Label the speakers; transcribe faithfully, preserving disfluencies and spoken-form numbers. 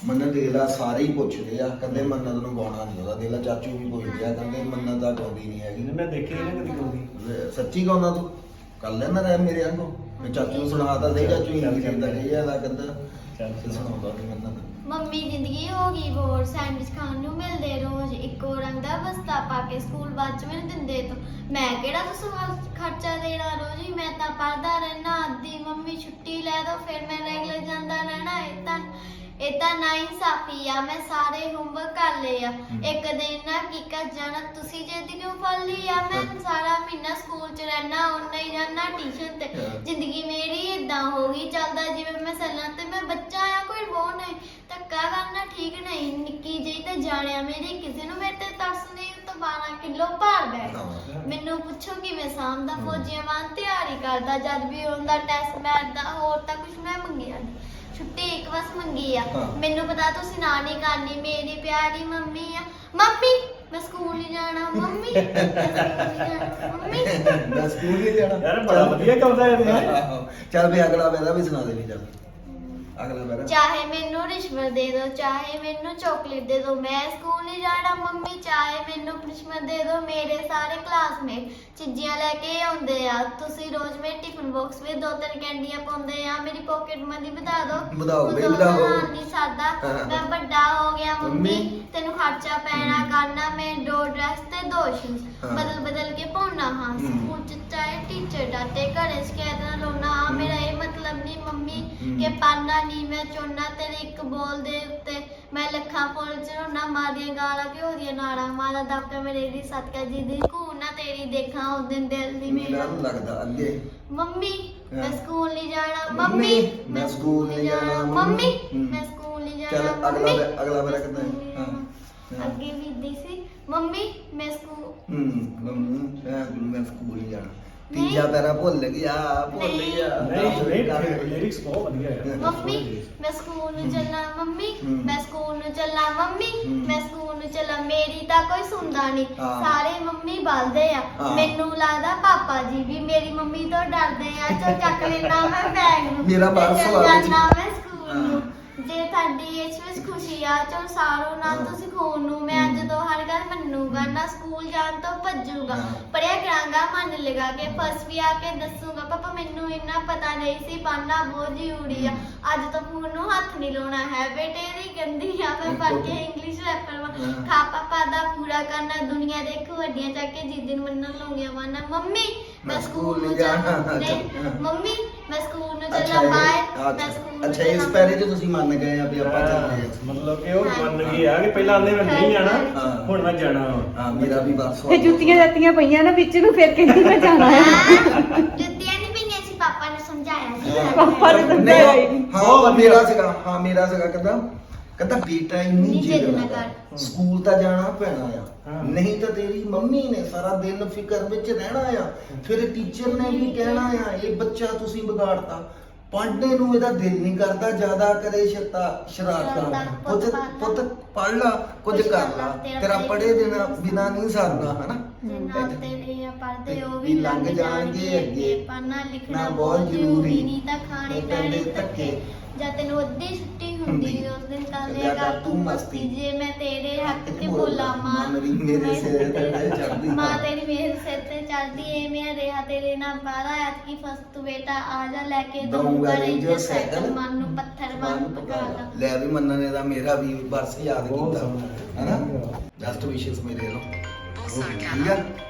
Speaker 1: ਮੰਨਤ ਦੇ ਲਾ ਸਾਰੇ ਹੀ ਪੁੱਛਦੇ ਆ, ਕਹਿੰਦੇ ਮੰਨਤ ਨੂੰ ਗਾਉਣਾ ਨਹੀਂ ਆਉਂਦਾ। ਦੇ ਲਾ ਚਾਚੂ ਵੀ ਪੁੱਛਦੇ ਆ, ਕਹਿੰਦੇ ਮੰਨਤ ਦਾ ਗਾਉਂਦੀ ਨਹੀਂ ਹੈਗੀ।
Speaker 2: ਮੈਂ ਦੇਖੀ ਨਹੀਂ ਕਦੀ ਗਾਉਂਦੀ।
Speaker 1: ਸੱਚੀ ਗਾਉਂਦਾ ਤੂੰ? ਕਰ ਲੈਣਾ ਰਹਿ ਮੇਰੇ ਵਾਂਗੂ। ਮੈਂ ਚਾਚੂ ਨੂੰ ਸੁਣਾਤਾ ਸਹੀ, ਚਾਚੂ ਹੀ ਨਹੀਂ ਕਹਿੰਦਾ ਇਹ ਜਿਆਦਾ ਕਹਿੰਦਾ ਚੱਲ ਸੁਣਾਉਂਦਾ ਨਹੀਂ ਮੰਨਤ।
Speaker 3: ਮੰਮੀ ਜ਼ਿੰਦਗੀ ਹੋ ਗਈ ਬੋਰ, ਸੈਂਡਵਿਚ ਖਾਣ ਨੂੰ ਮਿਲਦੇ ਰੋਜ਼, ਇੱਕੋ ਰੰਗ ਦਾ ਬਸਤਾ ਪਾ ਕੇ ਸਕੂਲ ਬਾਅਦ ਚ ਮੈਨੂੰ ਦਿੰਦੇ ਤੋਂ। ਮੈਂ ਕਿਹੜਾ ਤੁਸੀਂ ਖਰਚਾ ਦੇਣਾ ਰੋਜ਼ ਹੀ, ਮੈਂ ਤਾਂ ਪੜ੍ਹਦਾ ਰਹਿਣਾ। ਅੱਧੀ ਮੰਮੀ ਛੁੱਟੀ ਲੈ ਦੋ ਫਿਰ ਮੈਂ ਰੈਗੂਲਰ ਜਾਂਦਾ ਰਹਿਣਾ। ਇਹ ਤਾਂ ਇਹ ਤਾਂ ਨਾ ਇਨਸਾਫੀ ਆ, ਮੈਂ ਸਾਰੇ ਹੋਮਵਰਕ ਕਰ ਲਏ ਆ। ਇੱਕ ਦਿਨ ਨਾ ਕੀ ਕਰ ਜਾਣਾ ਤੁਸੀਂ ਜਿੱਦ ਕਿਉਂ ਫੜ ਲਈ ਆ? ਮੈਂ ਸਾਰਾ ਮਹੀਨਾ ਸਕੂਲ ਚ ਰਹਿਣਾ, ਉਨਾ ਹੀ ਜਾਣਾ ਟਿਊਸ਼ਨ ਤੇ। ਜ਼ਿੰਦਗੀ ਮੇਰੀ ਏਦਾਂ ਹੋ ਗਈ, ਚੱਲਦਾ ਜਿਵੇਂ ਮੈਂ ਸੱਲਾਂ ਤੇ ਮੈਂ ਬੱਚਾ ਆ, ਕੋਈ ਰੋ ਨਹੀਂ। ਧੱਕਾ ਕਰਨਾ ਠੀਕ ਨਹੀਂ, ਨਿੱਕੀ ਜਿਹੀ ਤੇ ਜਾਣਿਆ ਮੇਰੀ, ਕਿਸੇ ਨੂੰ ਮੇਰੇ ਤੇ ਤਰਸ ਨਹੀਂ। ਤਾਂ ਬਾਰਾਂ ਕਿਲੋ ਭਾਰ ਬੈਠ, ਮੈਨੂੰ ਪੁੱਛੋ ਕਿਵੇਂ ਸਾਂਭਦਾ। ਫੌਜੀਆਂ ਵਾਂ ਤਿਆਰੀ ਕਰਦਾ, ਜਦ ਵੀ ਹੁੰਦਾ ਟੈਸਟ ਮੈਚ ਦਾ, ਹੋਰ ਤਾਂ ਕੁਛ ਮੈਂ ਮੰਗਿਆ ਨਹੀਂ। ਛੁੱਟੀ ਇੱਕ ਬਸ ਮੰਗੀ ਆ, ਮੈਨੂੰ ਪਤਾ ਤੁਸੀਂ ਨਾ ਨਹੀਂ ਕਰਨੀ। ਮੇਰੀ ਪਿਆਰੀ ਮੰਮੀ ਆ। ਮੰਮੀ ਮੈਂ ਸਕੂਲ ਨਹੀਂ ਜਾਣਾ, ਮੰਮੀ ਮੰਮੀ
Speaker 1: ਮੈਂ ਸਕੂਲ ਨਹੀਂ ਜਾਣਾ।
Speaker 2: ਯਾਰ ਬੜਾ ਵਧੀਆ ਗਾਉਂਦਾ ਇਹ।
Speaker 1: ਚੱਲ ਵੀ ਅਗਲਾ ਮੇਰਾ ਵੀ ਸੁਣਾ ਦੇ ਵੀ ਚੱਲ ਅਗਲਾ ਮੇਰਾ।
Speaker 3: ਚਾਹੇ ਮੈਨੂੰ ਰਿਸ਼ਵਤ ਦੇ ਦੋ, ਚਾਹੇ ਮੈਨੂੰ ਚਾਕਲੇਟ ਦੇ ਦੋ, ਮੈਂ ਸਕੂਲ ਨਹੀਂ ਜਾਣਾ ਮੰਮੀ। ਚਾਹੇ ਮੈਨੂੰ ਪਨਿਸ਼ਮੈਂਟ ਦੇ ਦੋ, ਮੇਰੇ ਸਾਰੇ ਕਲਾਸਮੇਟ ਚੀਜ਼ੀਆਂ ਲੈ ਕੇ ਆਉਂਦੇ ਆ। ਤੁਸੀਂ ਰੋਜ਼ ਮੇਰੇ ਟਿਫਨ ਬਾਕਸ ਵਿੱਚ ਦੋ ਤਿੰਨ ਕੈਂਡੀਆਂ ਪਾਉਂਦੇ ਆ। ਮੇਰੀ ਪਾਕਟ ਮਨੀ ਵਧਾ ਦੋ,
Speaker 1: ਵਧਾਓ ਬਈ ਵਧਾਓ।
Speaker 3: ਨਹੀਂ ਸਾਦਾ ਮੈਂ ਵੱਡਾ ਹੋ ਗਿਆ ਮੰਮੀ, ਤੈਨੂੰ ਖਰਚਾ ਪੈਣਾ ਕਰਨਾ। ਮੈਂ ਦੋ ਡਰੈਸ ਤੇ ਦੋ ਸ਼ੂਜ਼ ਬਦਲ ਬਦਲ ਕੇ ਪਾਉਣਾ। ਹਾਂ ਸਕੂਲ ਚ ਚਾਹੇ ਟੀਚਰ ਡਾਂਟੇ, ਘਰੇ ਸ਼ਿਕਾਇਤ ਨਾ ਲਾਉਣਾ। ਮੇਰਾ ਇਹ ਮਤਲਬ ਨਹੀਂ ਮੰਮੀ ਕਿ ਪੜ੍ਹਨਾ ਨਹੀਂ ਮੈਂ ਚਾਹੁੰਦਾ। ਤੇਰੇ ਇੱਕ ਬੋਲ ਦੇ ਉੱਤੇ ਮੈਂ ਲੱਖਾਂ ਫੁੱਲ ਚੜਾਉਣਾ। ਮਾਰੀਆਂ ਗਾਲਾਂ ਘਿਓ ਦੀਆਂ ਨਾੜਾਂ ਮਾਰਾ ਦਬਕਾ ਮੇਰੇ ਦੀ ਸਦਕਾ ਜਿਹਦੀ ਘੂ ਨਾ ਤੇਰੀ ਦੇਖਾਂ ਉਸ ਦਿਨ ਦਿਲ ਦੀ ਮੇਰਾ
Speaker 1: ਲੱਗਦਾ ਅੱਗੇ।
Speaker 3: ਮੰਮੀ ਮੈਂ ਸਕੂਲ ਨਹੀਂ ਜਾਣਾ, ਮੰਮੀ ਮੈਂ ਸਕੂਲ ਨਹੀਂ ਜਾਣਾ, ਮੰਮੀ ਮੈਂ ਸਕੂਲ ਨਹੀਂ ਜਾਣਾ।
Speaker 1: ਚੱਲ ਅਗਲਾ ਅਗਲਾ ਮੇਰਾ ਕਿੱਦਾਂ ਹੈ? ਹਾਂ
Speaker 3: ਅੱਗੇ ਵੀ ਦੀ ਸੀ ਮੰਮੀ ਮੈਂ ਸਕੂਲ
Speaker 1: ਹੂੰ ਮੰਮੀ ਮੈਂ ਸਕੂਲ ਨਹੀਂ ਜਾਣਾ। ਤੀਜਾ ਪੈਰਾ ਭੁੱਲ ਗਿਆ ਭੁੱਲ ਗਿਆ।
Speaker 2: ਨਹੀਂ ਲਿਰਿਕਸ ਬਹੁਤ ਵਧੀਆ ਹੈ।
Speaker 3: ਮੰਮੀ ਮੈਂ ਸਕੂਲ ਨੂੰ ਚੱਲਾਂ, ਮੰਮੀ ਮੈਂ ਸਕੂਲ ਨੂੰ ਚੱਲਾਂ, ਮੰਮੀ ਮੈਂ ਸਕੂਲ ਨੂੰ ਚੱਲਾਂ। ਮੇਰੀ ਤਾਂ ਕੋਈ ਸੁਣਦਾ ਨਹੀਂ, ਸਾਰੇ ਮੰਮੀ ਬਲਦੇ ਆ। ਮੈਨੂੰ ਲੱਗਦਾ ਪਾਪਾ ਜੀ ਵੀ ਮੇਰੀ ਮੰਮੀ ਤੋਂ ਡਰਦੇ ਆ। ਚਲ ਚੱਕ ਲੈਣਾ ਮੈਂ ਬੈਗ ਨੂੰ,
Speaker 1: ਮੇਰਾ ਪਰਸ ਵਾ
Speaker 3: ਜਾਣਾ ਮੈਂ ਸਕੂਲ ਨੂੰ। ਜੇ ਤੁਹਾਡੀ ਇਸ ਵਿੱਚ ਖੁਸ਼ੀ ਆ ਚਲ ਸਾਰੋ ਨਾ ਤੁਸੀਂ ਖੂਨ ਨੂੰ। ਮੈਂ ਜਦੋਂ ਹਰ ਗੱਲ ਮੰਨੂਗਾ ਨਾ, ਸਕੂਲ ਜਾਣ ਤੋਂ ਭੱਜੂਗਾ। ਪੜਿਆ ਕਰਾਂਗਾ ਮਨ ਲਗਾ ਕੇ, ਫਸ ਵੀ ਆ ਕੇ ਦੱਸੂਗਾ ਪਾਪਾ ਮੈਨੂੰ ਇੰਨਾ ਪਤਾ ਨਹੀਂ ਸੀ, ਪੜ੍ਹਨਾ ਬਹੁਤ ਜ਼ਰੂਰੀ ਆ। ਅੱਜ ਤੋਂ ਫੋਨ ਨੂੰ ਹੱਥ ਨਹੀਂ ਲਾਉਣਾ ਹੈ ਬੇਟੇ ਦੀ ਗੰਦੀ ਆ। ਮੈਂ ਪੜ੍ਹ ਕੇ ਇੰਗਲਿਸ਼ ਰੈਪਰ ਵਾ ਖਾ ਪਾਪਾ ਦਾ ਪੂਰਾ ਕਰਨਾ। ਦੁਨੀਆ ਦੇਖੋ ਵੱਡੀਆਂ ਚੱਕ ਕੇ ਜਿਸ ਦਿਨ ਮੰਨਣ ਲਾਉਂਗੀਆਂ ਵਾਨਾ। ਮੰਮੀ ਮੈਂ ਸਕੂਲ ਨੂੰ ਜਾਣਾ, ਮੰਮੀ ਮੈਂ ਸਕੂਲ ਨੂੰ ਚੱਲਾਂ, ਬਾਏ ਮੈਂ ਸਕੂਲ।
Speaker 1: ਅੱਛਾ ਇਸ ਪੈਰੇ ਚ ਤੁਸੀਂ ਮੰਨ ਗਏ ਆ ਵੀ ਆਪਾਂ ਚੱਲਦੇ ਆ।
Speaker 2: ਮਤਲਬ ਕਿ ਉਹ ਮੰਨ ਗਏ ਆ ਕਿ ਪਹਿਲਾਂ ਆਂਦੇ ਮੈਂ ਨਹੀਂ ਜਾਣਾ, ਹੁਣ ਮੈਂ ਜਾਣਾ।
Speaker 1: ਹਾਂ ਮੇਰਾ ਵੀ ਬਸ
Speaker 4: ਤੇ ਜੁੱਤੀਆਂ ਜੱਤੀਆਂ ਪਈਆਂ ਨਾ ਵਿੱਚ ਨੂੰ, ਫਿਰ ਕਹਿੰਦੀ ਮੈਂ ਜਾਣਾ ਹੈ।
Speaker 3: ਜੁੱਤੀਆਂ ਨਹੀਂ ਪਈਆਂ ਸੀ, ਪਾਪਾ ਨੇ ਸਮਝਾਇਆ ਸੀ।
Speaker 4: ਪਾਪਾ ਨੇ ਸਮਝਾਇਆ ਹੀ ਨਹੀਂ।
Speaker 1: ਹਾਂ ਮੇਰਾ ਸੀਗਾ, ਹਾਂ ਮੇਰਾ ਸੀਗਾ ਕਹਿੰਦਾ ਕਹਿੰਦਾ ਬੇਟਾ ਇੰਨੀ ਜਿੱਦ ਨਾ ਕਰ, ਸਕੂਲ ਤਾਂ ਜਾਣਾ ਪੈਣਾ ਆ, ਨਹੀਂ ਤਾਂ ਤੇਰੀ ਮੰਮੀ ਨੇ ਸਾਰਾ ਦਿਨ ਫਿਕਰ ਵਿੱਚ ਰਹਿਣਾ ਆ। ਫਿਰ ਟੀਚਰ ਨੇ ਵੀ ਕਹਿਣਾ ਆ ਇਹ ਬੱਚਾ ਤੁਸੀਂ ਵਿਗਾੜਤਾ, ਪੜ੍ਹਨੇ ਨੂੰ ਇਹਦਾ ਦਿਲ ਨਹੀਂ ਕਰਦਾ, ਜ਼ਿਆਦਾ ਕਰੇ ਸ਼ਤਾ ਸ਼ਰਾਰਤਾਂ। ਪੁੱਤ ਪੁੱਤ ਪੜ੍ਹ ਲਾ, ਕੁਝ ਕਰ ਲਾ, ਤੇਰਾ ਪੜ੍ਹੇ ਦੇਣਾ ਬਿਨਾ ਨਹੀਂ ਸਰਦਾ ਹਨਾ।
Speaker 3: ਤੇਰੇ ਪੜ੍ਹਦੇ ਉਹ ਵੀ ਲੰਘ ਜਾਣਗੇ ਅੱਗੇ, ਪੜ੍ਹਨਾ ਲਿਖਣਾ ਬਹੁਤ ਜ਼ਰੂਰੀ, ਨਹੀਂ ਤਾਂ ਖਾਣੇ ਪੈਣੇ ਧੱਕੇ। ਜਦ ਤੈਨੂੰ ਅੱਧੀ ਛੁੱਟੀ ਹੁੰਦੀ ਉਸ ਦਿਨ ਕਰ ਲਿਆ ਕਰ ਤੂੰ ਮਸਤੀ। ਜੇ ਮੈਂ ਤੇਰੇ ਹੱਕ ਤੇ ਬੋਲਾਂ ਮਾਂ
Speaker 1: ਮੇਰੇ ਸਿਰ ਤੇ ਚੜਦੀ,
Speaker 3: ਮਾਂ ਤੇਰੀ ਮੇਰੇ ਸਿਰ ਤੇ ਚੜਦੀ ਏ। ਮੈਂ ਰਿਹਾ ਤੇਰੇ ਨਾਲ ਬਾਰਾ ਐਤਕੀ ਫਸ ਤੂੰ ਬੇਟਾ ਆ ਜਾ, ਲੈ ਕੇ ਦਊਂਗਾ ਰੇਂਜਰ ਸਾਈਕਲ, ਮਨ ਨੂੰ ਪੱਥਰ ਵਾਂਗ ਪਕਾਦਾ।
Speaker 1: ਲੈ ਵੀ ਮੰਨਣ ਨੇ ਦਾ ਮੇਰਾ ਵੀ ਬਰਸ ਯਾਦ ਕੀਤਾ ਹਨਾ। ਜਸਟ ਵਿਸ਼ੇਸ ਮੇਰੇ ਵੱਲੋਂ ਠੀਕ ਆ।